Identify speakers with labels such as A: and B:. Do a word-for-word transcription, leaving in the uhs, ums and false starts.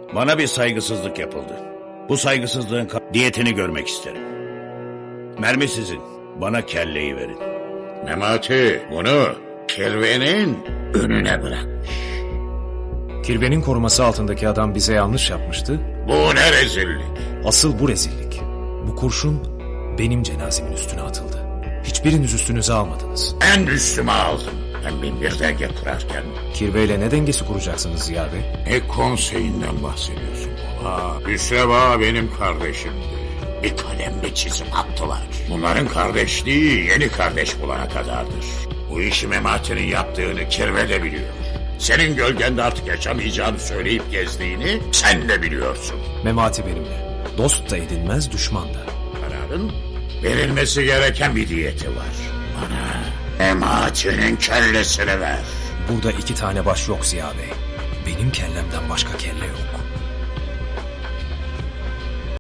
A: Bana bir saygısızlık yapıldı. Bu saygısızlığın diyetini görmek isterim. Mermi sizin. Bana kelleyi verin.
B: Memati bunu kirvenin önüne bırak.
C: Kirvenin koruması altındaki adam bize yanlış yapmıştı.
B: Bu ne rezillik.
C: Asıl bu rezillik. Bu kurşun benim cenazemin üstüne atıldı. Hiçbiriniz üstünüze almadınız.
B: En üstüme aldım. Ben bin bir denge kurarken.
C: Kirveyle ne dengesi kuracaksınız Ziya Bey?
B: Ne konseyinden bahsediyorsun baba? Hüsrev Ağa benim kardeşimdi. Bir kalemle çizim attılar. Bunların kardeşliği yeni kardeş bulana kadardır. Bu işi Memati'nin yaptığını Kirve de biliyor. Senin gölgende artık yaşamayacağını söyleyip gezdiğini sen de biliyorsun.
C: Memati benimle. Dost da edinmez, düşman da.
B: Kararın verilmesi gereken bir diyeti var. Bana Memati'nin kellesini ver.
C: Burada iki tane baş yok Ziya Bey. Benim kellemden başka kelle yok.